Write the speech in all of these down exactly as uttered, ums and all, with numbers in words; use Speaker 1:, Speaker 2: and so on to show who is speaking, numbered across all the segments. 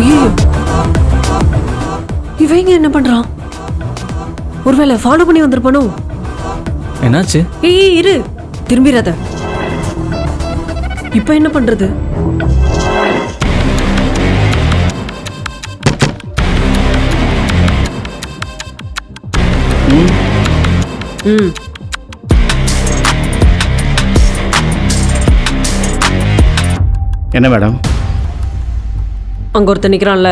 Speaker 1: ஐயோ, இவங்க என்ன பண்றான்? ஒருவேளை ஃபாலோ பண்ணி வந்திருப்பானோ?
Speaker 2: என்னாச்சு?
Speaker 1: ஏய் இரு, திரும்பிடாத. இப்ப என்ன பண்றது? ம்
Speaker 3: என்ன மேடம்?
Speaker 1: அங்க ஒருத்தன் நிக்கிறான்ல,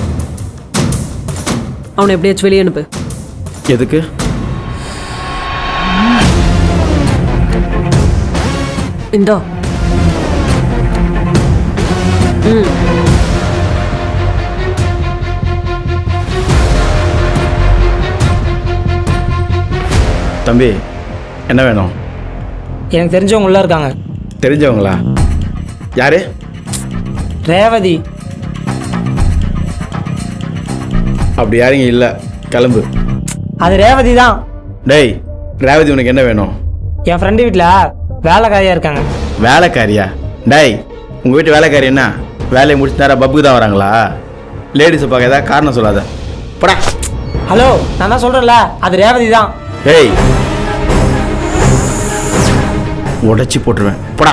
Speaker 1: அவனை எப்படியாச்சும் வெளியே அனுப்பு.
Speaker 3: எதுக்கு?
Speaker 1: இந்தா. ம்
Speaker 3: தம்பி என்ன வேணும்?
Speaker 4: எனக்கு தெரிஞ்சவங்க உள்ள இருக்காங்க.
Speaker 3: தெரிஞ்சவங்களா? யாரு?
Speaker 4: ரேவதி.
Speaker 3: அப்படி யாருங்க இல்லை, கிளம்பு.
Speaker 4: அது ரேவதி தான்.
Speaker 3: டேய், ரேவதி உனக்கு என்ன வேணும்?
Speaker 4: என் ஃப்ரெண்டு வீட்டில் வேலைக்காரியாக இருக்காங்க.
Speaker 3: வேலைக்காரியா? டேய், உங்கள் வீட்டு வேலைக்காரி என்ன வேலையை முடிச்சு நேரம் பப்புக்கு தான் வராங்களா? லேடிஸை பார்க்க ஏதாவது காரணம் சொல்லாத. போடா.
Speaker 4: ஹலோ, நான் தான் சொல்கிறேன்ல, அது ரேவதி தான்.
Speaker 3: ஏய், உடைச்சி போட்டுருவேன். போடா.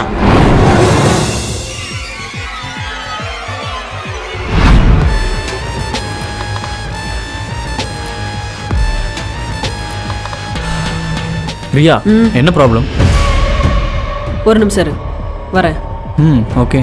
Speaker 2: ரியா, என்ன ப்ராப்ளம்?
Speaker 1: ஒரு நிமிஷம் இரு, வரேன்.
Speaker 2: ம் ஓகே.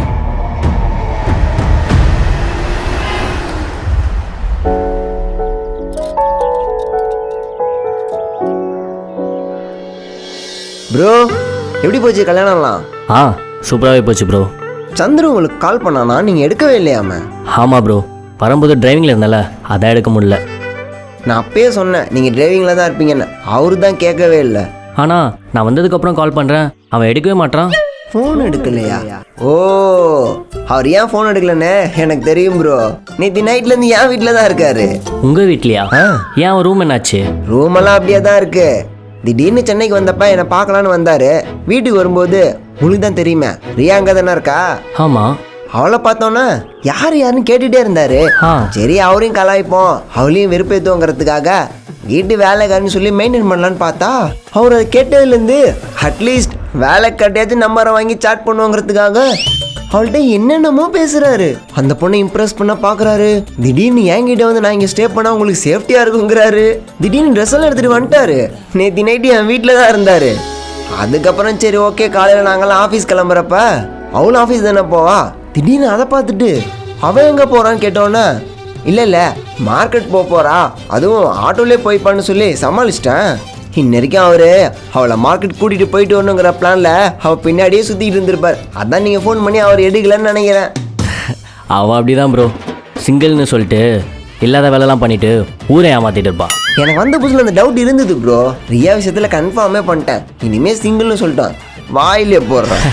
Speaker 5: ப்ரோ, எப்படி போச்சு கல்யாணம்லாம்?
Speaker 6: ஆ சூப்பராகவே போச்சு ப்ரோ.
Speaker 5: சந்துரு உங்களுக்கு கால் பண்ணானா, நீங்கள் எடுக்கவே இல்லையாம?
Speaker 6: ஆமாம் ப்ரோ, வரும்போது டிரைவிங்கில் இருந்தால அதான் எடுக்க முடியல.
Speaker 5: நான் அப்பயே சொன்னேன் நீங்கள் டிரைவிங்கில் தான் இருப்பீங்கன்னு. அவரு தான் கேட்கவே இல்லை.
Speaker 6: ஆனால் நான் வந்ததுக்கப்புறம் கால் பண்ணுறேன், அவன் எடுக்கவே மாட்டான்.
Speaker 5: ஃபோன் எடுக்கலையா? ஓ, அவர் ஏன் ஃபோன் எடுக்கலன்னு எனக்கு தெரியும் ப்ரோ. நேற்று நைட்லேருந்து என் வீட்டில் தான் இருக்காரு.
Speaker 6: உங்கள் வீட்லையா? ஏன் அவன் ரூம் என்னாச்சு?
Speaker 5: ரூமெல்லாம் அப்படியே தான் இருக்கு. திடீர்னு சென்னைக்கு வந்தப்ப என்னை பார்க்கலான்னு வந்தாரு. வீட்டுக்கு வரும்போது உங்களுக்கு தான் தெரியுமே, ரியா அங்கே தானே இருக்கா?
Speaker 6: ஆமாம்.
Speaker 5: அவளை பார்த்தோன்னா யார் யாருன்னு கேட்டுகிட்டே இருந்தாரு.
Speaker 6: ஆ
Speaker 5: சரி, அவரையும் கலாய்ப்போம், அவளையும் வெறுப்பேற்றுவோங்கிறதுக்காக வீட்டு வேலைக்காரன்னு சொல்லி மெயின்டைன் பண்ணலான்னு பார்த்தா, அவர் அதை கேட்டதுலேருந்து அட்லீஸ்ட் வேலை கட்டியாச்சும் நம்பரை வாங்கி சாட் பண்ணுவோங்கிறதுக்காக அவள்கிட்ட என்னென்னமோ பேசுறாரு. அந்த பொண்ணை இம்ப்ரெஸ் பண்ண பார்க்குறாரு. திடீர்னு என்கிட்ட வந்து நான் இங்கே ஸ்டே பண்ணால் உங்களுக்கு சேஃப்டியாக இருக்குங்கிறாரு. திடீர்னு ட்ரெஸ் எல்லாம் எடுத்துகிட்டு வந்துட்டாரு. நேற்று நைட்டு என் வீட்டில் தான் இருந்தார். அதுக்கப்புறம் சரி ஓகே, காலையில் நாங்களாம் ஆஃபீஸ் கிளம்புறப்ப அவளும் ஆஃபீஸ் தானே போவா. திடீர்னு அதை பார்த்துட்டு அவன் எங்கே போகிறான்னு கேட்டோன்னே, இல்லை இல்லை மார்க்கெட் போக போகிறா, அதுவும் ஆட்டோலே போய்ப்பான்னு சொல்லி சமாளிச்சிட்டேன். இன்னைக்கும் அவர் அவளை மார்க்கெட் கூட்டிகிட்டு போயிட்டு வரணுங்கிற பிளானில் அவள் பின்னாடியே சுற்றிக்கிட்டு இருந்திருப்பார். அதான் நீங்கள் ஃபோன் பண்ணி அவர் எடுக்கலன்னு நினைக்கிறேன்.
Speaker 6: அவன் அப்படி தான் ப்ரோ, சிங்கிள்னு சொல்லிட்டு இல்லாத வேலைலாம் பண்ணிட்டு ஊரை ஏமாத்திட்டு இருப்பான்.
Speaker 5: எனக்கு வந்த புதுசில் அந்த டவுட் இருந்தது ப்ரோ. ரியா விஷயத்தில் கன்ஃபார்மே பண்ணிட்டேன். இனிமேல் சிங்கிள்னு சொல்லிட்டான், வாயிலே போடுறான்.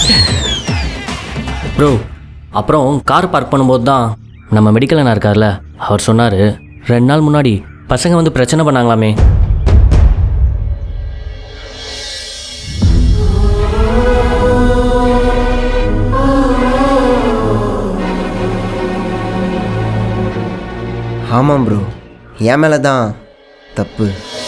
Speaker 6: ப்ரோ, அப்புறம் கார் பார்க் பண்ணும்போது தான் நம்ம மெடிக்கல் அண்ணா இருக்கார்ல, அவர் சொன்னார் ரெண்டு நாள் முன்னாடி பசங்க வந்து பிரச்சனை பண்ணாங்களாமே.
Speaker 5: ஆமாம் ப்ரோ, என் மேலே தான் தப்பு.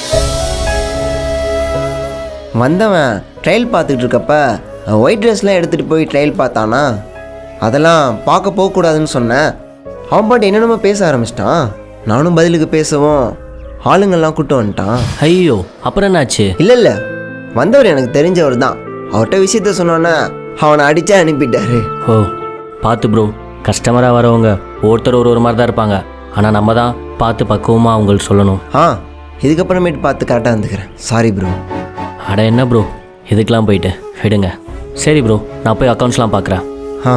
Speaker 5: வந்தவன் ட்ரையல் பார்த்துக்கிட்டு இருக்கப்ப ஒயிட் ட்ரெஸ்லாம் எடுத்துகிட்டு போய் ட்ரையல் பார்த்தானா, அதெல்லாம் பார்க்க போகக்கூடாதுன்னு சொன்னேன். அவன் பாட்டு என்னென்னமோ பேச ஆரம்பிச்சிட்டான். நானும் பதிலுக்கு பேசவும் ஆளுங்கள்லாம் கூட்டு வந்துட்டான்.
Speaker 6: ஐயோ, அப்புறம் என்னாச்சு?
Speaker 5: இல்லை இல்லை, வந்தவர் எனக்கு தெரிஞ்சவர் தான். அவர்கிட்ட விஷயத்த சொன்னோன்னே அவனை அடித்தா அனுப்பிட்டாரு.
Speaker 6: ஓ பார்த்து ப்ரோ, கஸ்டமராக வரவங்க ஒருத்தர் ஒரு ஒரு மாதிரி தான் இருப்பாங்க. ஆனால் நம்ம தான் பார்த்து பக்குவமாக அவங்களுக்கு சொல்லணும்.
Speaker 5: ஆ, இதுக்கப்புறமேட்டு பார்த்து கரெக்டாக இருந்துக்கிறேன். Sorry bro.
Speaker 6: அட என்ன ப்ரோ, இதுக்கெலாம் போயிட்டு விடுங்க. சரி ப்ரோ, நான் போய் அக்கௌண்ட்ஸ்லாம் பார்க்குறேன்.
Speaker 5: ஆ,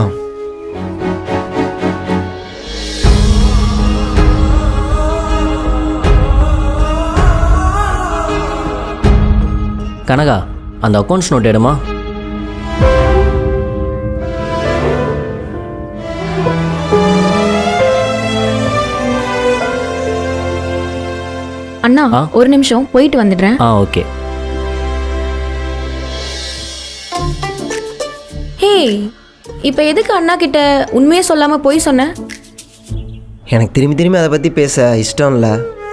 Speaker 6: கனகா, அந்த அக்கௌண்ட்ஸ் நோட் எடுமா.
Speaker 7: அண்ணா ஒரு நிமிஷம் போயிட்டு வந்துடுறேன்.
Speaker 6: ஆ ஓகே.
Speaker 7: ஹே, இப்போ எதுக்கு அண்ணா கிட்ட உண்மையே சொல்லாம போய் சொன்ன?
Speaker 5: எனக்கு திரும்பி திரும்பி அதை பற்றி பேச இஷ்டம் இல்லை.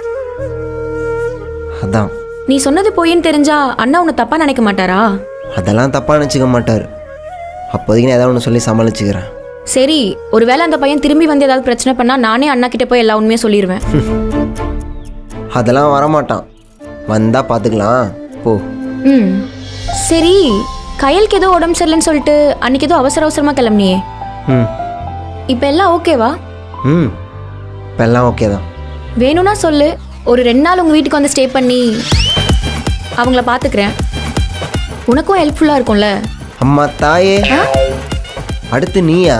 Speaker 5: அதான்.
Speaker 7: நீ சொன்னது பொய்ன்னு தெரிஞ்சா அண்ணா உன்னை தப்பா நினைக்க மாட்டாரா?
Speaker 5: அதெல்லாம் தப்பாக நினச்சிக்க மாட்டார். அப்போதைக்கு நான் ஏதாவது ஒன்று சொல்லி சமாளிச்சுக்கிறேன்.
Speaker 7: சரி, ஒருவேளை அந்த பையன் திரும்பி வந்து ஏதாவது பிரச்சனை பண்ணா நானே அண்ணா கிட்ட போய் எல்லா உண்மையும் சொல்லிடுவேன்.
Speaker 5: அதெல்லாம் வரமாட்டான். வந்தால் பார்த்துக்கலாம் போ.
Speaker 7: ம் சரி, கையலுக்கு ஏதோ உடம்பு சரியில்லைன்னு சொல்லிட்டு அன்னைக்கு ஏதோ அவசர அவசரமாக கிளம்புனியே,
Speaker 5: ம்
Speaker 7: இப்போ எல்லாம் ஓகேவா?
Speaker 5: ம் இப்போ எல்லாம் ஓகே தான்.
Speaker 7: வேணும்னா சொல்லு, ஒரு ரெண்டு நாள் உங்கள் வீட்டுக்கு வந்து ஸ்டே பண்ணி அவங்கள பார்த்துக்கிறேன். உனக்கும் ஹெல்ப்ஃபுல்லாக இருக்கும்ல.
Speaker 5: அம்மா தாயே, அடுத்து நீயா?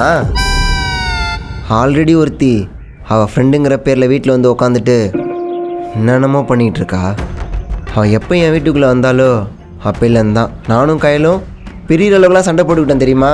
Speaker 5: ஆல்ரெடி ஒருத்தி அவள் ஃப்ரெண்டுங்கிற பேரில் வீட்டில் வந்து உக்காந்துட்டு என்னென்னமோ பண்ணிகிட்டு இருக்கா. அவள் எப்போ என் வீட்டுக்குள்ளே வந்தாலோ அப்போலேருந்து தான் நானும் கையிலும் பெரிய அளவுக்குலாம் சண்டை போட்டுக்கிட்டேன் தெரியுமா.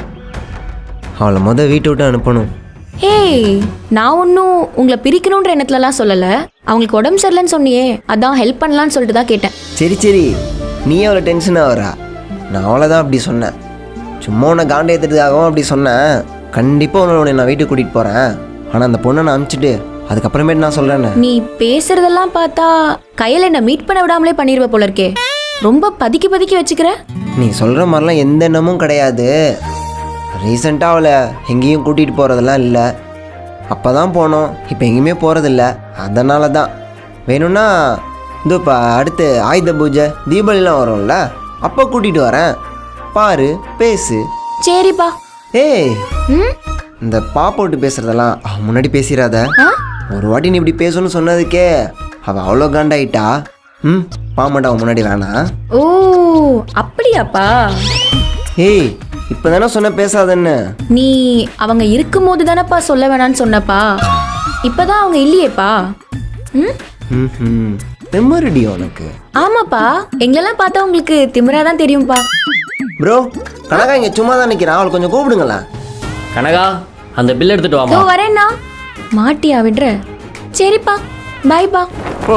Speaker 5: அவளை மொதல் வீட்டை விட்டு அனுப்பணும்.
Speaker 7: ஏய், நான் ஒன்றும் உங்களை பிரிக்கணுன்ற எண்ணத்துலலாம் சொல்லலை. அவங்களுக்கு உடம்பு சரியில்லைன்னு சொன்னியே, அதான் ஹெல்ப் பண்ணலான்னு சொல்லிட்டு தான் கேட்டேன்.
Speaker 5: சரி சரி, நீ அவ்வளோ டென்ஷன் ஆகிறா. நான் அவ்வளோதான் அப்படி சொன்னேன். சும்மா உன்னை காண்டை ஏற்றுறதுக்காகவும் அப்படி சொன்னேன். கண்டிப்பாக உன்னை உன்னை நான் வீட்டுக்கு கூட்டிகிட்டு போகிறேன். ஆனால் அந்த பொண்ணை நான் அனுப்பிச்சிட்டு அதுக்கப்புறமேட்டு நான் சொல்கிறேன்னு.
Speaker 7: நீ பேசுறதெல்லாம் பார்த்தா கையில் என்ன மீட் பண்ண விடாமலே பண்ணிடுவ போல இருக்கே. ரொம்ப பதுக்கி பதுக்கி வச்சுக்கிற.
Speaker 5: நீ சொல்கிற மாதிரிலாம் எந்த எண்ணமும் கிடையாது. ரீசெண்டாக அவளை எங்கேயும் கூட்டிகிட்டு போகிறதெல்லாம் இல்லை. அப்போ தான் போனோம், இப்போ எங்கேயுமே போகிறதில்ல. அதனால தான் வேணும்னா இந்த இப்போ அடுத்து ஆயுத பூஜை தீபாவளிலாம் வரும்ல, அப்போ கூட்டிகிட்டு வரேன். பாரு, பேசு.
Speaker 7: சரிப்பா.
Speaker 5: ஏய்,
Speaker 7: ம்
Speaker 5: இந்த பா போட்டு பேசுகிறதெல்லாம் அவன் முன்னாடி பேசிடாத.
Speaker 7: ஆ
Speaker 5: ஒரு வாட்டி நீ இப்படி பேசணும்னு சொன்னதுக்கே அவள் அவ்வளோ காண்டாயிட்டா. ம் பாமாட்டா அவன் முன்னாடி வேணாம்.
Speaker 7: ஓ அப்படியாப்பா?
Speaker 5: ஏய், இப்போ தானே சொன்ன பேசாதன்னு.
Speaker 7: நீ அவங்க இருக்கும்போது தானப்பா சொல்ல வேணான்னு சொன்னப்பா. இப்பதான் அவங்க இல்லையேப்பா. ம்
Speaker 5: ம் மெமரிடி உனக்கு.
Speaker 7: ஆமாப்பா, எங்களெல்லாம் பார்த்தா உங்களுக்கு திமிரா தான் தெரியும்ப்பா.
Speaker 5: ப்ரோ, கனகா இங்கே சும்மா தான் நிற்கிறான், அவளை கொஞ்சம் கூப்பிடுங்களேன்.
Speaker 6: கனகா, அந்த பில் எடுத்துட்டு
Speaker 7: இதோ
Speaker 6: வாமா.
Speaker 7: வரேன்னா. மாட்டியா விடுற? சரிப்பா, பாய்ப்பா.
Speaker 5: ஓ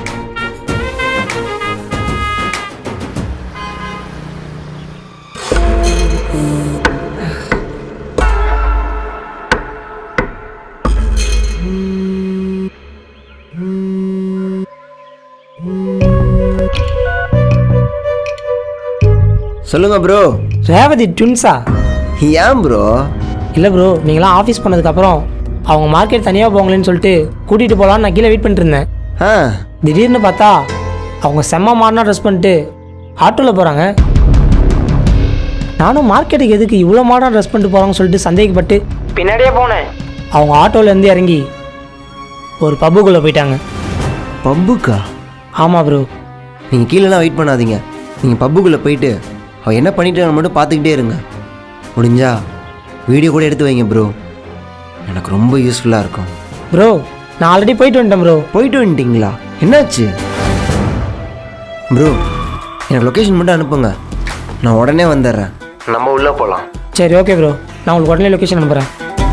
Speaker 5: சொல்லுங்க ப்ரோ.
Speaker 4: ரேவதி ட்வின்ஸா?
Speaker 5: ஏன் ப்ரோ?
Speaker 4: இல்லை ப்ரோ, நீங்களாம் ஆஃபீஸ் பண்ணதுக்கப்புறம் அவங்க மார்க்கெட் தனியாக போங்களேன்னு சொல்லிட்டு கூட்டிகிட்டு போகலான்னு நான் கீழே வெயிட் பண்ணிட்டு இருந்தேன்.
Speaker 5: ஆ
Speaker 4: திடீர்னு பார்த்தா அவங்க செம்ம மாடனா ட்ரெஸ் பண்ணிட்டு ஆட்டோவில் போகிறாங்க. நானும் மார்க்கெட்டுக்கு எதுக்கு இவ்வளோ மாடனா ட்ரெஸ் பண்ணிட்டு போகிறாங்கன்னு சொல்லிட்டு சந்தேகப்பட்டு பின்னாடியே போனேன். அவங்க ஆட்டோவிலேருந்து இறங்கி ஒரு பப்புக்குள்ளே போயிட்டாங்க.
Speaker 5: பப்புக்கா?
Speaker 4: ஆமாம் ப்ரோ.
Speaker 5: நீங்கள் கீழேலாம் வெயிட் பண்ணாதீங்க. நீங்கள் பப்புக்குள்ளே போயிட்டு அவள் என்ன பண்ணிட்டு மட்டும் பார்த்துக்கிட்டே இருங்க. முடிஞ்சா வீடியோ கூட எடுத்து வைங்க ப்ரோ, எனக்கு ரொம்ப யூஸ்ஃபுல்லாக இருக்கும்.
Speaker 4: ப்ரோ, நான் ஆல்ரெடி போயிட்டு வந்துட்டேன் ப்ரோ.
Speaker 5: போயிட்டு வந்துட்டிங்களா? என்னாச்சு ப்ரோ? எனக்கு லொக்கேஷன் மட்டும் அனுப்புங்க, நான் உடனே வந்துடுறேன். நம்ம உள்ளே போகலாம்.
Speaker 4: சரி ஓகே ப்ரோ, நான் உங்களுக்கு உடனே லொக்கேஷன் அனுப்புகிறேன்.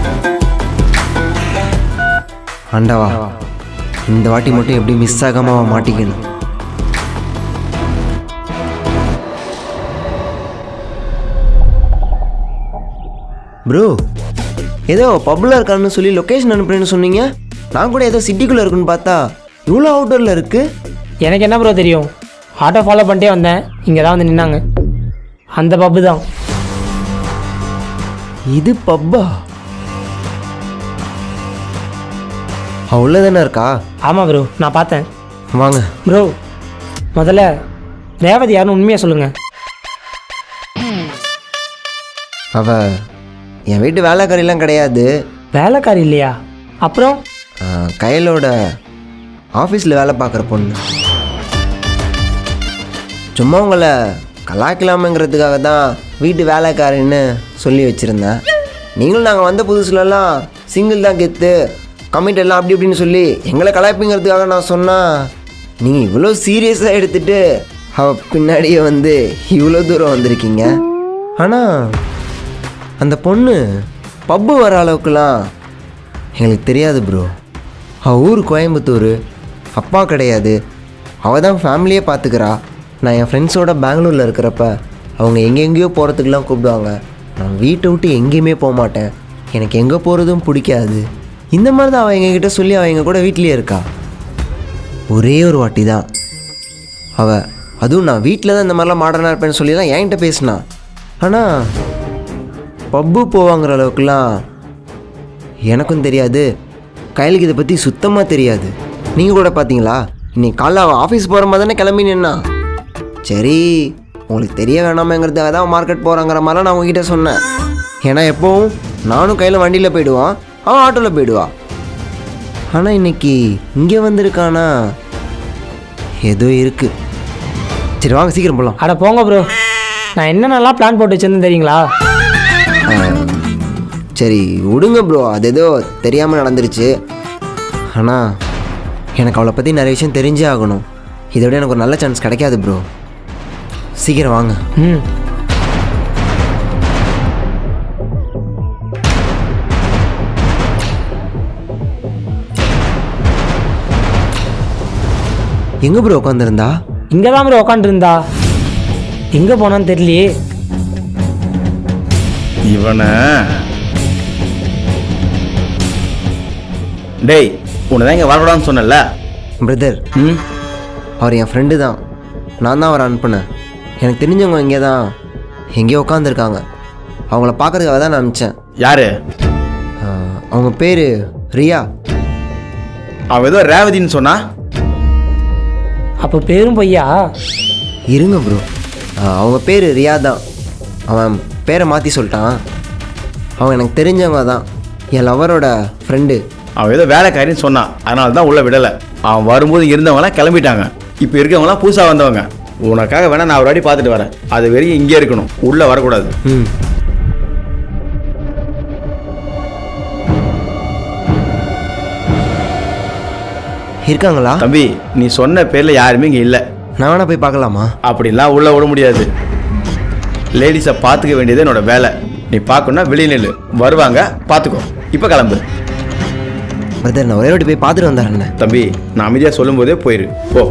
Speaker 5: ஆண்டவா, இந்த வாட்டி மட்டும் எப்படி மிஸ் ஆகாம மாட்டிக்கணும். ப்ரோ, ஏதோ பப்புலர் இருக்கான்னு சொல்லி லொக்கேஷன் அனுப்புறேன்னு சொன்னீங்க. நான் கூட ஏதோ சிட்டிக்குள்ளே இருக்குன்னு பார்த்தா இவ்வளோ அவுட்டரில் இருக்குது.
Speaker 4: எனக்கு என்ன ப்ரோ தெரியும், ஆட்டோ ஃபாலோ பண்ணிட்டே வந்தேன், இங்கே தான் வந்து நின்னாங்க. அந்த பப்பு தான்
Speaker 5: இது. பப்பா அவ்வளோ தானே இருக்கா?
Speaker 4: ஆமாம் ப்ரோ, நான் பார்த்தேன்.
Speaker 5: வாங்க
Speaker 4: ப்ரோ, முதல்ல ரேவதி யாருன்னு உண்மையாக சொல்லுங்கள்.
Speaker 5: அவ என் வீட்டு வேலைக்காரிலாம் கிடையாது.
Speaker 4: வேலைக்காரி இல்லையா? அப்புறம்
Speaker 5: கையிலோட ஆஃபீஸில் வேலை பார்க்குற பொண்ணு. சும்மா உங்களை கலாய்க்கலாமங்கிறதுக்காக தான் வீட்டு வேலைக்காரின்னு சொல்லி வச்சுருந்தேன். நீங்களும் நாங்கள் வந்த புதுசுலலாம் சிங்கிள் தான் கெத்து, கமிட் எல்லாம் அப்படி இப்படின்னு சொல்லி எங்களை கலாய்ப்புங்கிறதுக்காக நான் சொன்னால் நீங்கள் இவ்வளோ சீரியஸாக எடுத்துகிட்டு அவள் பின்னாடியே வந்து இவ்வளோ தூரம் வந்திருக்கீங்க. ஆனால் அந்த பொண்ணு பப்பு வர அளவுக்குலாம் எங்களுக்கு தெரியாது ப்ரோ. அவள் ஊர் கோயம்புத்தூர், அப்பா கிடையாது. அவள் தான் ஃபேமிலியே பார்த்துக்கிறா. நான் என் ஃப்ரெண்ட்ஸோட பெங்களூரில் இருக்கிறப்ப அவங்க எங்கெங்கேயோ போகிறதுக்கெலாம் கூப்பிடுவாங்க. நான் வீட்டை விட்டு எங்கேயுமே போக மாட்டேன். எனக்கு எங்கே போகிறதும் பிடிக்காது. இந்த மாதிரி தான் அவள் எங்ககிட்ட சொல்லி அவள் எங்கள் கூட வீட்லேயே இருக்கா. ஒரே ஒரு வாட்டி தான் அவள், அதுவும் நான் வீட்டில் தான் இந்த மாதிரிலாம் மாடர்னாக இருப்பேன்னு சொல்லி தான் என்கிட்ட பேசினா. ஆனால் பப்பு போவாங்கிற அளவுக்குலாம் எனக்கும் தெரியாது, கையலுக்கு இதை பற்றி சுத்தமாக தெரியாது. நீங்கள் கூட பார்த்தீங்களா, இன்னைக்கு காலைல அவள் ஆஃபீஸ் போகிற மாதிரி தானே கிளம்பி நின்னா. சரி உங்களுக்கு தெரிய வேணாமேங்கிறதுக்காக தான் மார்க்கெட் போகிறாங்கிற மாதிரிலாம் நான் உங்ககிட்ட சொன்னேன். ஏன்னா எப்போவும் நானும் கையில் வண்டியில் போயிடுவான், அவன் ஆட்டோவில் போயிடுவான். ஆனால் இன்னைக்கு இங்கே வந்திருக்கானா, ஏதோ இருக்குது. சரி வாங்க சீக்கிரம் போகலாம்.
Speaker 4: அட போங்க ப்ரோ, நான் என்னென்னலாம் பிளான் போட்டு வச்சிருந்தேன் தெரியுங்களா?
Speaker 5: சரி விடுங்க ப்ரோ, அது ஏதோ தெரியாமல் நடந்துருச்சு. ஆனால் எனக்கு அவளை பற்றி நிறைய விஷயம் தெரிஞ்சே ஆகணும். இதை விட எனக்கு ஒரு நல்ல சான்ஸ் கிடைக்காது ப்ரோ. சீக்கிரம் வாங்க.
Speaker 4: ம்
Speaker 5: எங்கே ப்ரோ உட்காந்துருந்தா?
Speaker 4: இங்கே தான் ப்ரோ உக்காண்டிருந்தா, எங்கே போனான்னு தெரியலையே.
Speaker 3: இவனை டேய், உன்னை தான் இங்கே வரக்கூடாதுன்னு சொன்னல.
Speaker 5: பிரதர்,
Speaker 3: ம்
Speaker 5: அவர் என் ஃப்ரெண்டு தான், நான் தான் அவரை அனுப்புனேன். எனக்கு தெரிஞ்சவங்க இங்கே தான் எங்கேயோ உட்காந்துருக்காங்க, அவங்கள பார்க்கறதுக்காக தான் நான் அனுப்பிச்சேன்.
Speaker 3: யாரு?
Speaker 5: அவங்க பேர் ரியா.
Speaker 3: அவன் ஏதோ ரேவதின்னு சொன்னா.
Speaker 4: அப்போ பேரும் பொய்யா?
Speaker 5: இருங்க ப்ரோ, அவங்க பேர் ரியா தான். அவன் பேரை மாற்றி சொல்லிட்டான். அவன் எனக்கு தெரிஞ்சவங்க தான், என் லவரோட ஃப்ரெண்டு.
Speaker 3: அவன் ஏதோ வேலைக்காரின்னு சொன்னான், அதனால தான் உள்ளே விடலை. அவன் வரும்போது இருந்தவங்களாம் கிளம்பிட்டாங்க, இப்போ இருக்கவங்களாம் புதுசாக வந்தவங்க. உனக்காக வேணா நான் ஒரு வாட்டி பார்த்துட்டு வரேன், அது வரைக்கும் இங்கே இருக்கணும், உள்ளே வரக்கூடாது.
Speaker 5: ம் இருக்காங்களா?
Speaker 3: தம்பி, நீ சொன்ன பேரில் யாருமே இங்கே இல்லை.
Speaker 5: நான் வேணா போய் பார்க்கலாமா?
Speaker 3: அப்படிலாம் உள்ளே விட முடியாது. லேடிஸை பார்த்துக்க வேண்டியது என்னோட வேலை. நீ பார்க்கணுன்னா வெளியே நில்லு, வருவாங்க பார்த்துக்கோ. இப்போ கிளம்பு.
Speaker 5: பிரதர், நான் ஒரே வாட்டி போய் பார்த்துட்டு வந்தாரண்ணே.
Speaker 3: தம்பி, நான் அமைதியாக சொல்லும்போதே போயிரு, போ.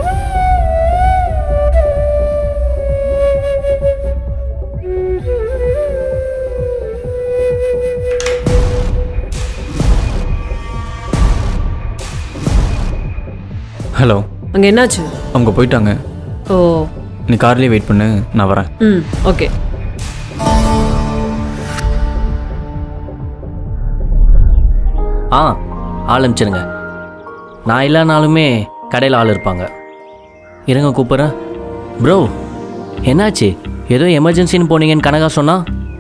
Speaker 2: ஹலோ.
Speaker 1: அங்கே என்னாச்சு?
Speaker 2: அவங்க போயிட்டாங்க.
Speaker 1: ஓ.
Speaker 2: நீ கார்லேயே வெயிட் பண்ணு, நான் வரேன்.
Speaker 1: ம் ஓகே.
Speaker 6: ஆ ஆள் அனுப்பிச்சிருங்க. நான் இல்லைனாலுமே கடையில் ஆள் இருப்பாங்க. இருங்க கூப்பிட்றேன். ப்ரோ என்னாச்சு? ஏதோ எமர்ஜென்சின்னு போனீங்கன்னு கனகா சொன்னா.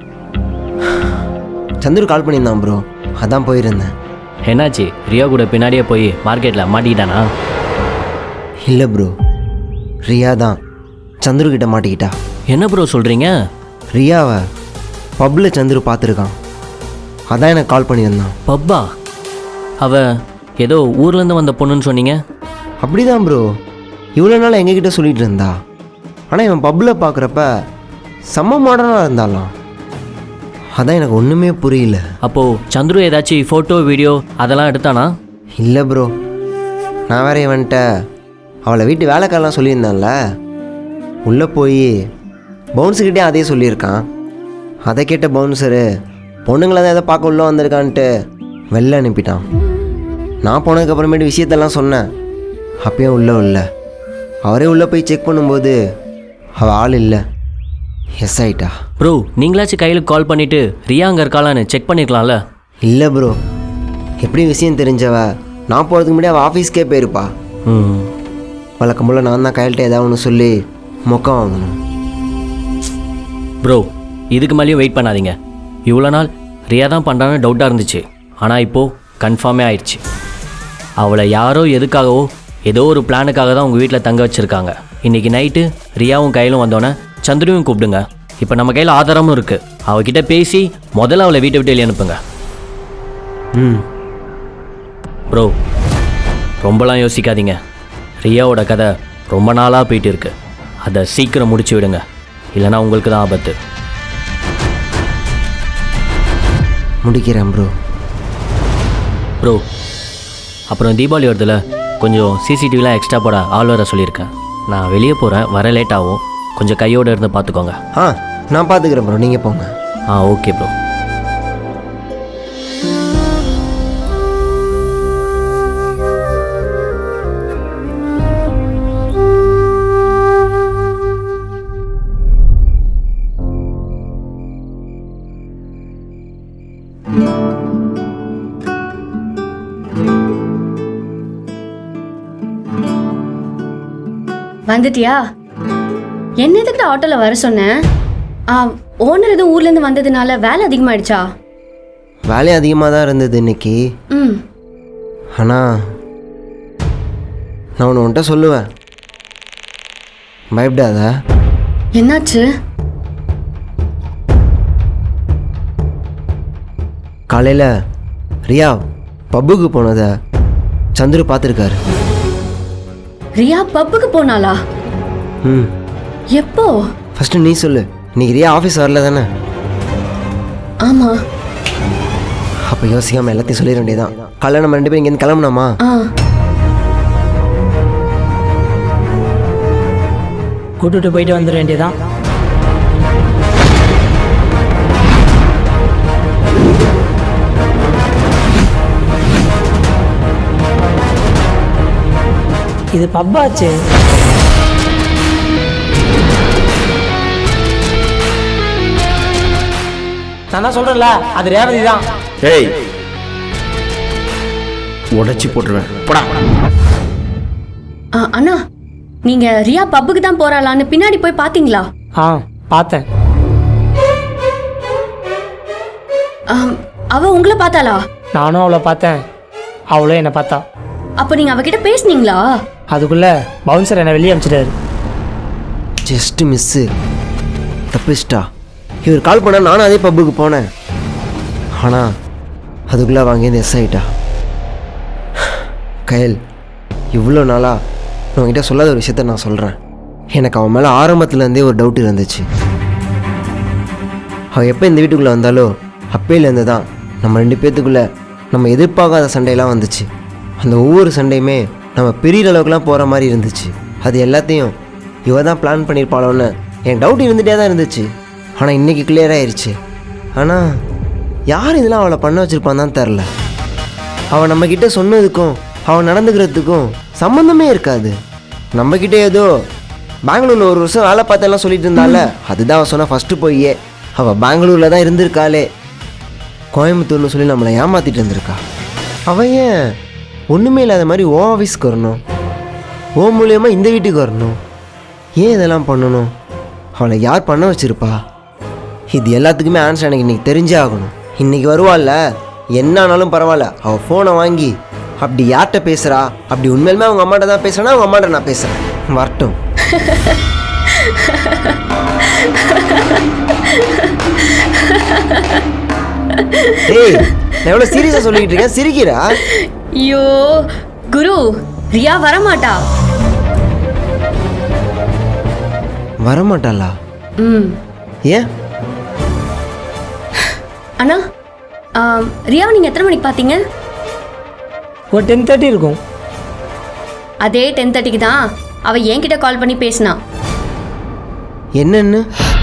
Speaker 5: சந்துரு கால் பண்ணியிருந்தான் ப்ரோ, அதான் போயிருந்தேன்.
Speaker 6: என்னாச்சு? ரியா கூட பின்னாடியே போய் மார்க்கெட்டில் மாட்டிக்கிட்டானா?
Speaker 5: இல்லை ப்ரோ, ரியா தான் சந்துரு கிட்ட மாட்டிக்கிட்டா.
Speaker 6: என்ன ப்ரோ சொல்கிறீங்க?
Speaker 5: ரியாவை பப்பில் சந்துரு பார்த்துருக்கான், அதான் எனக்கு கால் பண்ணியிருந்தான்.
Speaker 6: பப்பா? அவ ஏதோ ஊர்லேருந்து வந்த பொண்ணுன்னு சொன்னீங்க.
Speaker 5: அப்படி தான் ப்ரோ, இவ்வளோ நாள் எங்ககிட்ட சொல்லிகிட்டு இருந்தா. ஆனால் இவன் பப்பில் பார்க்குறப்ப செம்ம மாடர்னாக இருந்தாலாம், அதான் எனக்கு ஒன்றுமே புரியல.
Speaker 6: அப்போது சந்துரு ஏதாச்சும் ஃபோட்டோ வீடியோ அதெல்லாம் எடுத்தானா?
Speaker 5: இல்லை ப்ரோ, நான் வேற இவன்ட்ட அவளை வீட்டு வேலைக்காரெலாம் சொல்லியிருந்தான்ல, உள்ளே போய் பவுன்ஸுக்கிட்டே அதே சொல்லியிருக்கான். அதை கேட்ட பவுன்சரு பொண்ணுங்களை தான் எதை பார்க்க உள்ளே வந்திருக்கான்ட்டு வெளில அனுப்பிட்டான். நான் போனதுக்கப்புறமேட்டு விஷயத்தெல்லாம் சொன்னேன், அப்பயும் உள்ளே இல்லை. அவரே உள்ளே போய் செக் பண்ணும்போது அவள் ஆள் இல்லை, எஸ் ஆயிட்டா.
Speaker 6: ப்ரோ நீங்களாச்சும் கையில் கால் பண்ணிவிட்டு ரியா அங்கே இருக்காளான்னு செக் பண்ணிக்கலாம்ல?
Speaker 5: இல்லை ப்ரோ, எப்படி விஷயம் தெரிஞ்சவ நான் போகிறதுக்கு முன்னாடி அவள் ஆஃபீஸ்க்கே போயிருப்பா.
Speaker 6: ம்
Speaker 5: வழக்கம் போல் நான் தான் கையில்கிட்ட ஏதாவது ஒன்று சொல்லி மொக்கம் வாங்கணும்.
Speaker 6: ப்ரோ இதுக்கு மேலேயும் வெயிட் பண்ணாதீங்க. இவ்வளோ நாள் ரியா தான் பண்ணுறான்னு டவுட்டாக இருந்துச்சு, ஆனால் இப்போது கன்ஃபார்மே ஆயிடுச்சு. அவளை யாரோ எதுக்காகவோ ஏதோ ஒரு பிளானுக்காக தான் உங்கள் வீட்டில் தங்க வச்சுருக்காங்க. இன்றைக்கி நைட்டு ரியாவும் கையிலும் வந்தோன்னே சந்துருவையும் கூப்பிடுங்க. இப்போ நம்ம கையில் ஆதாரமும் இருக்குது, அவகிட்ட பேசி முதல்ல அவளை வீட்டை விட்டு வெளியே அனுப்புங்க.
Speaker 5: ம்
Speaker 6: ப்ரோ ரொம்பலாம் யோசிக்காதீங்க. ரியாவோட கதை ரொம்ப நாளாக போயிட்டு இருக்கு, அதை சீக்கிரம் முடிச்சு விடுங்க, இல்லைனா உங்களுக்கு தான் ஆபத்து.
Speaker 5: முடிக்கிறேன் ப்ரோ.
Speaker 6: ப்ரோ அப்புறம் தீபாவளி வருதுல, கொஞ்சம் சிசிடிவிலாம் எக்ஸ்ட்ரா போட ஆள் வர சொல்லியிருக்கேன். நான் வெளியே போகிறேன், வர லேட் ஆகும், கொஞ்சம் கையோடு இருந்து பார்த்துக்கோங்க.
Speaker 5: ஆ நான் பார்த்துக்கிறேன் ப்ரோ, நீங்கள் போங்க.
Speaker 6: ஆ ஓகே ப்ரோ.
Speaker 8: வந்துட்டியா? என்ன எதுக்கு ஆட்டோல வர சொன்னேன்? ஆ, ஓனர் எதுவும் ஊர்ல இருந்து வந்ததுனால வேலை அதிகமாயிடுச்சா?
Speaker 5: வேலை அதிகமாக தான் இருந்தது இன்னைக்கு.
Speaker 8: ம்.
Speaker 5: ஆனால் நான் ஒன்று உன்கிட்ட சொல்லுவேன், பயப்படாத.
Speaker 8: என்னாச்சு?
Speaker 5: காலையில் ரியா பப்புக்கு போனதை சந்துரு பார்த்துருக்காரு.
Speaker 8: ரியா பப்புக்கு போனாளா?
Speaker 5: ம்.
Speaker 8: எப்போ?
Speaker 5: ஃபஸ்ட்டு நீ சொல்லு, இன்னைக்கு ரியா ஆஃபீஸ் வரல தானே?
Speaker 8: ஆமா.
Speaker 5: அப்போ யோசிக்காமல் எல்லாத்தையும் சொல்லிட வேண்டியதான். காலையில் நம்ம ரெண்டு பேரும் இங்கேருந்து கிளம்புனாமா?
Speaker 8: ஆ.
Speaker 4: கூட்டுட்டு போயிட்டு வந்துட வேண்டியதான். இது பப்பாச்சு. நான் தான் சொல்றேன்ல, அது ரேவதி தான்.
Speaker 3: ஏய், உடைச்சி போட்டுருவேன் போடா.
Speaker 8: ஆ, அண்ணா, நீங்க ரியா பப்புக்கு தான் போறாளான்னு பின்னாடி போய் பாத்தீங்களா?
Speaker 4: ஆ, பார்த்தேன்.
Speaker 8: ஆம், அவ உங்களை பார்த்தாளா?
Speaker 4: நானும் அவளை பார்த்தேன், அவளும் என்னை பார்த்தா.
Speaker 8: அப்ப நீங்க அவகிட்ட பேசுனீங்களா?
Speaker 4: அதுக்குள்ள பவுன்சர் என்னை வெளியே அனுப்பிச்சிட்டாரு.
Speaker 5: Just miss, தப்பிச்சிட்டா. இவர் கால் பண்ணால் நானும் அதே பப்புக்கு போனேன். ஆனால் அதுக்குள்ளே வாங்கி எஸ் ஆகிட்டா. கயல், இவ்வளோ நாளாக நான் உங்ககிட்ட சொல்லாத ஒரு விஷயத்த நான் சொல்கிறேன். எனக்கு அவன் மேலே ஆரம்பத்துலேருந்தே ஒரு டவுட் இருந்துச்சு. அவன் எப்போ இந்த வீட்டுக்குள்ளே வந்தாலோ அப்பையிலேருந்து தான் நம்ம ரெண்டு பேர்த்துக்குள்ளே நம்ம எதிர்பார்க்காத சண்டையெல்லாம் வந்துச்சு. அந்த ஒவ்வொரு சண்டையுமே நம்ம பெரிய அளவுக்குலாம் போகிற மாதிரி இருந்துச்சு. அது எல்லாத்தையும் இவ தான் பிளான் பண்ணியிருப்பாளோன்னு என் டவுட் இருந்துகிட்டே தான் இருந்துச்சு. ஆனால் இன்றைக்கி கிளியர் ஆயிடுச்சு. ஆனால் யார் இதெல்லாம் அவளை பண்ண வச்சுருப்பான் தான் தெரில. அவள் நம்மக்கிட்ட சொன்னதுக்கும் அவன் நடந்துக்கிறதுக்கும் சம்மந்தமே இருக்காது. நம்மக்கிட்ட ஏதோ பெங்களூரில் ஒரு வருஷம் வேலை பார்த்தெல்லாம் சொல்லிட்டு இருந்தால, அதுதான் அவன் சொன்ன ஃபஸ்ட்டு போயே. அவள் பெங்களூரில் தான் இருந்திருக்காளே, கோயம்புத்தூர்னு சொல்லி நம்மளை ஏமாற்றிட்டு இருந்திருக்கா. அவன் ஏன் ஒன்றுமே இல்லாத மாதிரி ஓ ஆஃபீஸ்க்கு வரணும், ஓ மூலியமாக இந்த வீட்டுக்கு வரணும்? ஏன் இதெல்லாம் பண்ணணும்? அவளை யார் பண்ண வச்சுருப்பா? இது எல்லாத்துக்குமே ஆன்சர் எனக்கு இன்றைக்கி தெரிஞ்சே ஆகணும். இன்றைக்கி வருவாள்ல, என்ன ஆனாலும் பரவாயில்ல, அவள் ஃபோனை வாங்கி அப்படி யார்கிட்ட பேசுகிறா, அப்படி உண்மையிலுமே அவங்க அம்மாட்ட தான் பேசுகிறேன்னா அவங்க அம்மாட்ட நான் பேசுகிறேன், வரட்டும். ஏய், நான் எவ்வளோ சீரியஸாக சொல்லிக்கிட்டு இருக்கேன், சிரிக்கிறா?
Speaker 8: ஐயோ குரு, ரியா வரமாட்டா.
Speaker 5: வரமாட்டாளா?
Speaker 8: ம்.
Speaker 5: ஏன்?
Speaker 8: அண்ணா, ஆம், ரியா நீங்க எத்தனை மணிக்கு பார்த்தீங்க?
Speaker 4: ஒரு டென் தேர்ட்டி இருக்கும்.
Speaker 8: அதே டென் தேர்ட்டிக்கு தான் அவ என்கிட்ட கால் பண்ணி பேசினா.
Speaker 5: என்னன்னு?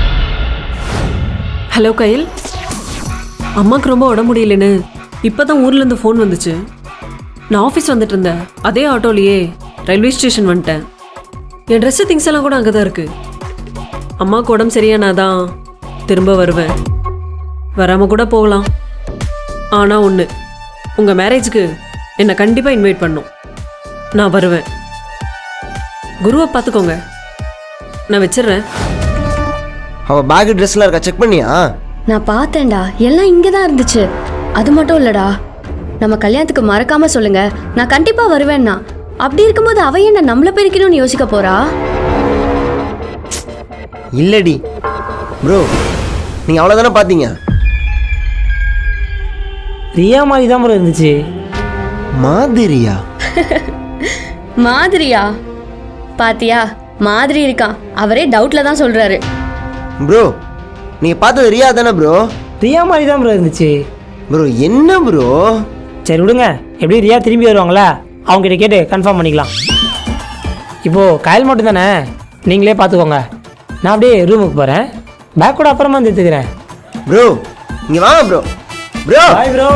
Speaker 1: ஹலோ கயல், அம்மாவுக்கு ரொம்ப உடம்பு முடியலன்னு இப்போ தான் ஊர்லேருந்து ஃபோன் வந்துச்சு. நான் ஆஃபீஸ் வந்துட்டு இருந்தேன், அதே ஆட்டோலையே ரயில்வே ஸ்டேஷன் வந்துட்டேன். என் ட்ரெஸ்ஸு திங்ஸ் எல்லாம் கூட அங்கே தான் இருக்குது. அம்மாவுக்கு உடம்பு சரியானா தான் திரும்ப வருவேன், வராமல் கூட போகலாம். ஆனால் ஒன்று, உங்கள் மேரேஜுக்கு என்னை கண்டிப்பாக இன்வைட் பண்ணும். நான் வருவேன். குருவை பார்த்துக்கோங்க, நான் வச்சிடுறேன்.
Speaker 5: அவள் பேக் ட்ரெஸ்லாம் இருக்கா, செக் பண்ணியா?
Speaker 8: நான் பார்த்தேன்டா, எல்லாம் இங்கே தான் இருந்துச்சு. அது மட்டும் இல்லடா, நம்ம கல்யாணத்துக்கு மறக்காம சொல்லுங்க, நான் கண்டிப்பா வருவேன்னா. அப்படி இருக்கும்போது அவ என்ன நம்மள பிரிக்கணும்னு யோசிக்க போறா?
Speaker 5: இல்லடி ப்ரோ, நீங்கள் அவ்வளோதானே பார்த்தீங்க.
Speaker 4: ரியா மாதிரி தான் ப்ரோ இருந்துச்சு.
Speaker 5: மாதிரியா?
Speaker 8: மாதிரியா? பாத்தியா, மாதிரி இருக்கான். அவரே டவுட்ல தான் சொல்றாரு.
Speaker 5: ப்ரோ, நீங்கள் பார்த்தது ரியா தானே ப்ரோ?
Speaker 4: ரியா மாதிரி தான் ப்ரோ இருந்துச்சு.
Speaker 5: ப்ரோ என்ன ப்ரோ?
Speaker 4: சரி விடுங்க, எப்படி ரியா திரும்பி வருவாங்களா, அவங்ககிட்ட கேட்டு கன்ஃபார்ம் பண்ணிக்கலாம். இப்போது கயல் மட்டும் தானே, நீங்களே பார்த்துக்கோங்க. நான் அப்படியே ரூமுக்கு போகிறேன், பேக் கூட அப்புறமா வந்து எடுத்துக்கிறேன்.
Speaker 5: ப்ரோ இங்கே வாங்க ப்ரோ. Bro
Speaker 4: bye bro.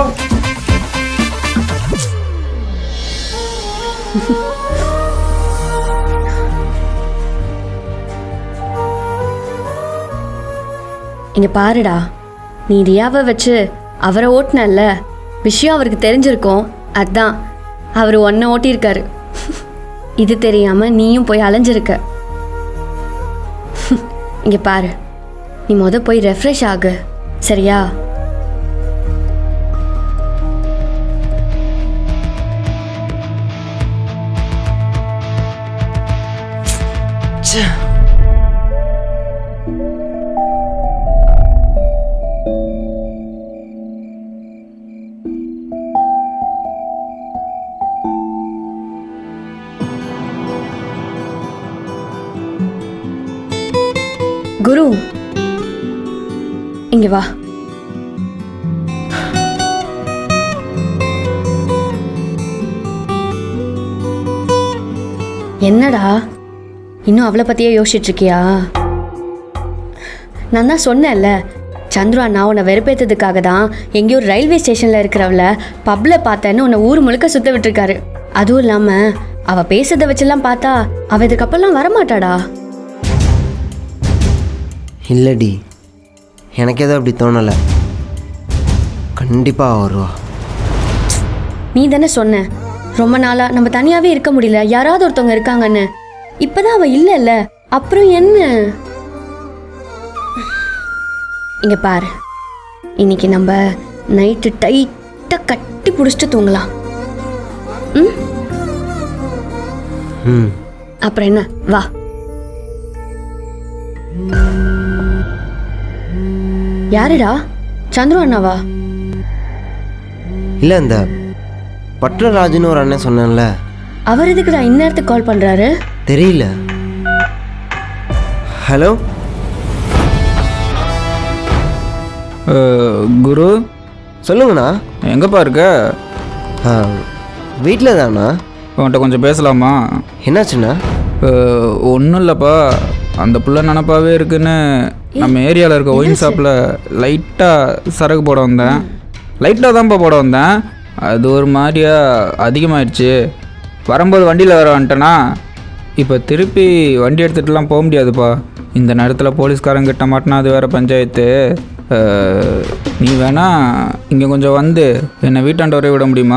Speaker 8: இங்க பாருடா, நீ ரியாவை வச்சு அவரை ஓட்டினல்ல, விஷயம் அவருக்கு தெரிஞ்சிருக்கும், அதான் அவர் ஒன்றை ஓட்டியிருக்காரு. இது தெரியாம நீயும் போய் அலைஞ்சிருக்க. இங்க பாரு, நீ முத போய் ரெஃப்ரெஷ் ஆகு, சரியா? குரு, இங்க வா. என்னடா இன்னும் அவளை பத்தியே யோசிச்சுட்டு இருக்கியா? நான் தான் சொன்னேன்ல, சந்துரு அண்ணா உன்னை வெறுப்பேற்றதுக்காக தான் எங்கேயோ ரயில்வே ஸ்டேஷன்ல இருக்கிறவள பப்ல பார்த்தேன்னு உன்னை ஊர் முழுக்க சுத்த விட்டுருக்காரு. அதுவும் இல்லாம அவ பேசுறதை வச்செல்லாம் பார்த்தா அவ இதுக்கப்புறம் வரமாட்டாடா.
Speaker 5: இல்லடி, எனக்கு எதுவும் அப்படி தோணலை. கண்டிப்பாக வருவா.
Speaker 8: நீ தானே சொன்ன ரொம்ப நாளா நம்ம தனியாவே இருக்க முடியல, யாராவது ஒருத்தவங்க இருக்காங்கன்னு. இப்பதான் அவ இல்லைல்ல, அப்புறம் என்ன? இங்க பாரு, இன்னைக்கு நம்ம நைட்டு டைட்டா கட்டி பிடிச்சிட்டு தூங்கலாம். ம்
Speaker 5: ம்
Speaker 8: அப்புறம் என்ன, வா. யாருடா? சந்துரு அண்ணாவா?
Speaker 5: இல்லை, இந்த பட்ரராஜுன்னு ஒரு அண்ணன் சொன்னேன்ல,
Speaker 8: அவர் எதுக்குடா இந்நேரத்துக்கு கால் பண்றாரு?
Speaker 5: தெரியல. ஹலோ
Speaker 9: குரு,
Speaker 5: சொல்லுங்கண்ணா.
Speaker 9: எங்கப்பா இருக்க?
Speaker 5: வீட்டில் தாண்ணா.
Speaker 9: உன்கிட்ட கொஞ்சம் பேசலாமா?
Speaker 5: என்னாச்சுண்ணா?
Speaker 9: ஒன்றும் இல்லைப்பா, அந்த புள்ள நினப்பாவே இருக்குன்னு நம்ம ஏரியாவில் இருக்க ஒயின் ஷாப்பில் லைட்டாக சரக்கு போட வந்தேன். லைட்டாக தான்ப்பா போட வந்தேன். அது ஒரு மாதிரியா அதிகமாகிடுச்சு. வரும்போது வண்டியில் வர வந்துட்டேனா, இப்போ திருப்பி வண்டி எடுத்துகிட்டுலாம் போக முடியாதுப்பா. இந்த நேரத்தில் போலீஸ்காரங்கிட்ட மாட்டினா அது வேறு பஞ்சாயத்து. நீ வேணா இங்கே கொஞ்சம் வந்து என்னை வீட்டாண்ட வரைய விட முடியுமா?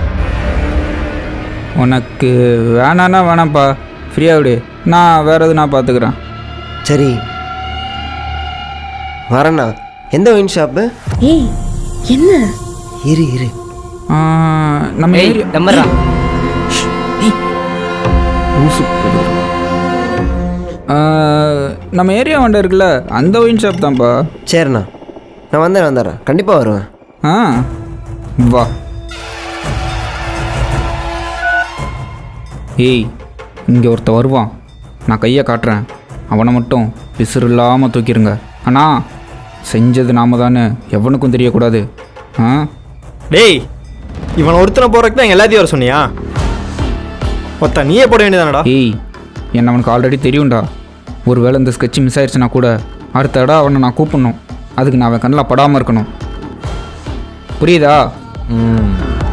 Speaker 9: உனக்கு வேணான்னா வேணாம்ப்பா, ஃப்ரீயாக விடு, நான் வேறு எது நான் பார்த்துக்கிறேன்.
Speaker 5: சரி வரேண்ணா. எந்த ஒயின் ஷாப்பு?
Speaker 8: ஏய் என்ன?
Speaker 5: இரு இரு
Speaker 9: நம்ம ஏரியா
Speaker 6: நம்பரா
Speaker 9: நம்ம ஏரியா வண்ட இருக்குல்ல, அந்த ஒயின் ஷாப் தான்ப்பா.
Speaker 5: சரிண்ணா, நான் வந்தேன் வந்துடுறேன், கண்டிப்பாக வருவேன்.
Speaker 9: ஆ வா. ஏய், இங்கே ஒருத்த வருவான், நான் கையை காட்டுறேன், அவனை மட்டும் பிசுறு இல்லாமல் தூக்கிடுங்க. ஆனால் செஞ்சது நாம தானே, எவனுக்கும் தெரியக்கூடாது. ஆ
Speaker 2: டேய், இவனை ஒருத்தனை போகிறதுக்கு தான் எல்லாத்தையும் வர சொன்னியா? ஒருத்த நீயே போட வேண்டியதானடா.
Speaker 9: ஏய், என்ன அவனுக்கு ஆல்ரெடி தெரியும்டா. ஒரு வேளை இந்த ஸ்கெட்ச் மிஸ் ஆயிடுச்சுன்னா கூட அடுத்த இடம் அவனை நான் கூப்பிடணும். அதுக்கு நான் அவன் கண்ணில் படாமல் இருக்கணும். புரியுதா?
Speaker 2: ம்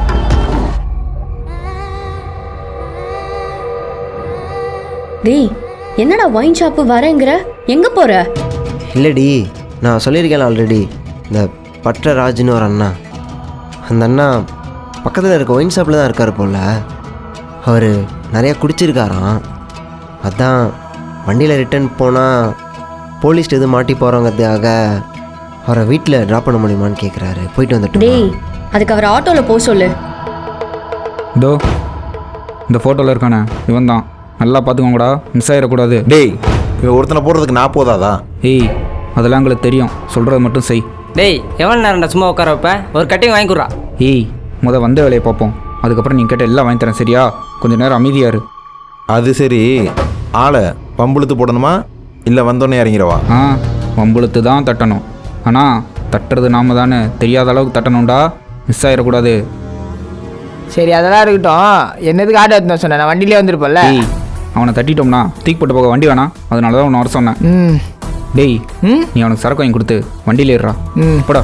Speaker 8: டேய் என்னடா ஒயின் ஷாப்பு வரேங்கிற, எங்க போற?
Speaker 5: இல்லடி, நான் சொல்லியிருக்கேன் ஆல்ரெடி, இந்த பட்ரராஜுன்னு ஒரு அண்ணா, அந்த அண்ணா பக்கத்தில் இருக்க ஒயின் ஷாப்பில் தான் இருக்கார் போல். அவர் நிறையா குடிச்சிருக்காராம். அதான் வண்டியில் ரிட்டர்ன் போனால் போலீஸ் எதுவும் மாட்டி போகிறவங்கிறதுக்காக அவரை வீட்டில் ட்ராப் பண்ண முடியுமான்னு கேட்குறாரு. போயிட்டு வந்துட்டு.
Speaker 8: டேய் அதுக்கு அவர் ஆட்டோவில் போக சொல்லு.
Speaker 9: இதோ இந்த ஃபோட்டோவில் இருக்கானே இவன் தான், நல்லா பார்த்துக்கோங்கடா, மிஸ் ஆகிடக்கூடாது.
Speaker 2: டேய், இவன் ஒருத்தனை போடுறதுக்கு நான் போதாதா?
Speaker 9: ஏய், அதெல்லாம் எங்களுக்கு தெரியும், சொல்கிறத மட்டும் செய்.
Speaker 6: டேய், எவ்வளோ நேரம்டா சும்மா உட்கார வைப்ப? ஒரு கட்டிங் வாங்கி கொடுறா.
Speaker 9: ஏய், முத வந்த வேலையை பார்ப்போம், அதுக்கப்புறம் நீ கேட்ட எல்லாம் வாங்கி தரேன், சரியா? கொஞ்சம் நேரம் அமைதியாரு.
Speaker 2: அது சரி, ஆளை பம்புழுத்து போடணுமா இல்லை வந்தோடனே இறங்கிடவா?
Speaker 9: ஆ, வம்புழுத்து தான் தட்டணும். ஆனால் தட்டுறது நாம தானே, தெரியாத அளவுக்கு தட்டணும்டா, மிஸ் ஆகிடக்கூடாது.
Speaker 4: சரி அதெல்லாம் இருக்கட்டும், என்னதுக்கு ஆட்டோ எடுத்து சொன்னேன், நான் வண்டியிலே வந்துருப்பேன்ல.
Speaker 9: டேய், அவனை தட்டிட்டோம்னா தூக்கி போட்டு போக வண்டி வேணாம், அதனால தான் உன்னை வர சொன்னேன்.
Speaker 4: ம்
Speaker 9: டேய்,
Speaker 4: ம்
Speaker 9: நீ அவனுக்கு சரக்கு வாங்கி கொடுத்து வண்டியில் ஏறுறா.
Speaker 4: ம்
Speaker 9: போடா.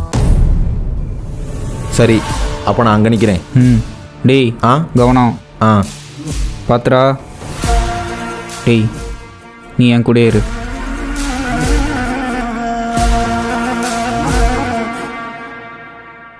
Speaker 2: சரி, அப்போ நான் அங்கே நிற்கிறேன்.
Speaker 9: ம் டேய்,
Speaker 2: ஆ
Speaker 9: கவனம்,
Speaker 2: ஆ
Speaker 9: பாத்துடா. டேய், நீ என் கூட இரு.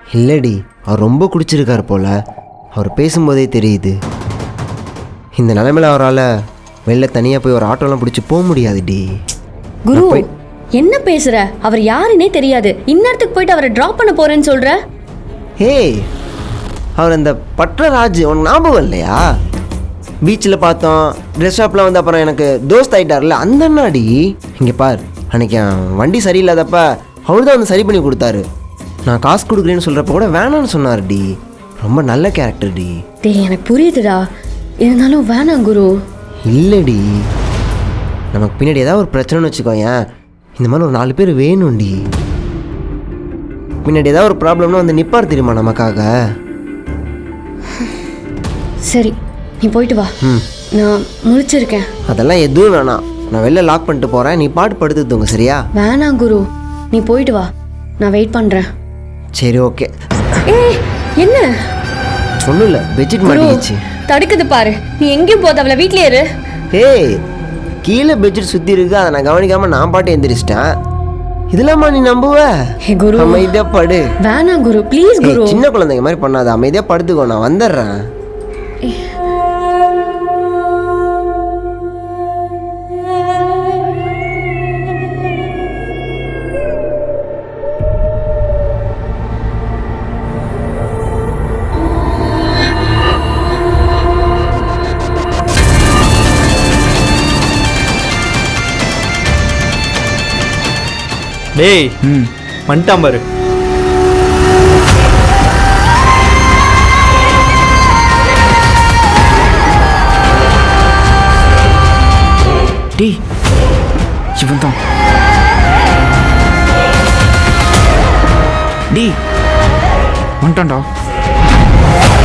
Speaker 5: இல்லடி, அவர் ரொம்ப குடிச்சிருக்கார் போல. அவர் பேசும்போதே தெரியுது. இந்த நிலைமையில் அவரால் வெளில தனியாக போய் ஒரு ஆட்டோலாம் பிடிச்சி போக முடியாதுடி.
Speaker 8: குரு
Speaker 5: நான் போய்-
Speaker 8: என்ன பேசுற? அவர் யாருன்னே தெரியாது. இந்நேரத்துக்கு போயிட்டு அவரை டிராப் பண்ண போறேன்னு சொல்ற?
Speaker 5: ஏய், அவர் அந்த பட்ரராஜ் உனக்கு ஞாபகம் இல்லையா? பீச்சில் பார்த்தோம், ட்ரெஸ் ஷாப்பில் வந்து அப்புறம் எனக்கு தோஸ்த் ஆகிட்டார்ல, அந்த அண்ணாடி. இங்கே பார், அன்றைக்கி வண்டி சரியில்லாதப்ப அவர் தான் வந்து சரி பண்ணி கொடுத்தாரு. நான் காசு கொடுக்குறேன்னு சொல்கிறப்ப கூட வேணான்னு சொன்னார்டி. ரொம்ப நல்ல கேரக்டர் டி.
Speaker 8: டேய் எனக்கு புரியுதுடா, இருந்தாலும் வேணாம் குரு.
Speaker 5: இல்லைடி, நமக்கு பின்னாடி ஏதாவது ஒரு பிரச்சனைன்னு வச்சுக்கோயேன், இந்த மாதிரி ஒரு நாலு பேர் வேணும்டி. பின்னாடி ஏதாவது ஒரு ப்ராப்ளம்னா வந்து நிற்பார் தெரியுமா நமக்காக.
Speaker 8: சரி நீ போயிட்டு வா.
Speaker 5: ம்,
Speaker 8: நான் முழிச்சிருக்கேன்.
Speaker 5: அதெல்லாம் எதுவும் வேணாம். நான் வெளில லாக் பண்ணிட்டு போகிறேன், நீ பாட்டு படுத்து தூங்க சரியா?
Speaker 8: வேணாம் குரு, நீ போயிட்டு வா, நான் வெயிட் பண்றேன்.
Speaker 5: சரி ஓகே.
Speaker 8: ஏய் என்ன
Speaker 5: ஒன்றும் இல்லை, பெட்ஷீட்
Speaker 8: குரு
Speaker 5: மாட்டிக்கிச்சு.
Speaker 8: தடுக்குது பாரு. நீ எங்கேயும் போத, அவளை வீட்லயே இரு.
Speaker 5: ஏய், கீழே பெட்ஷீட் சுற்றி இருக்கு, அதை நான் கவனிக்காமல் நான் பாட்டு எந்திரிச்சிட்டேன். இதெல்லாமா நீ நம்புவ?
Speaker 8: ஹே குரு,
Speaker 5: அமைதியாக படு.
Speaker 8: வேணாம் குரு ப்ளீஸ்
Speaker 5: ஏய்,
Speaker 8: குரு.
Speaker 5: சின்ன குழந்தைங்க மாதிரி பண்ணாத, அமைதியாக படுத்துக்கோ, நான் வந்துடுறேன்.
Speaker 2: டேய்,
Speaker 9: ம்
Speaker 2: வந்துட்டான் பாரு.
Speaker 9: டேய் இவன் தான். டேய் வந்துட்டான்டா.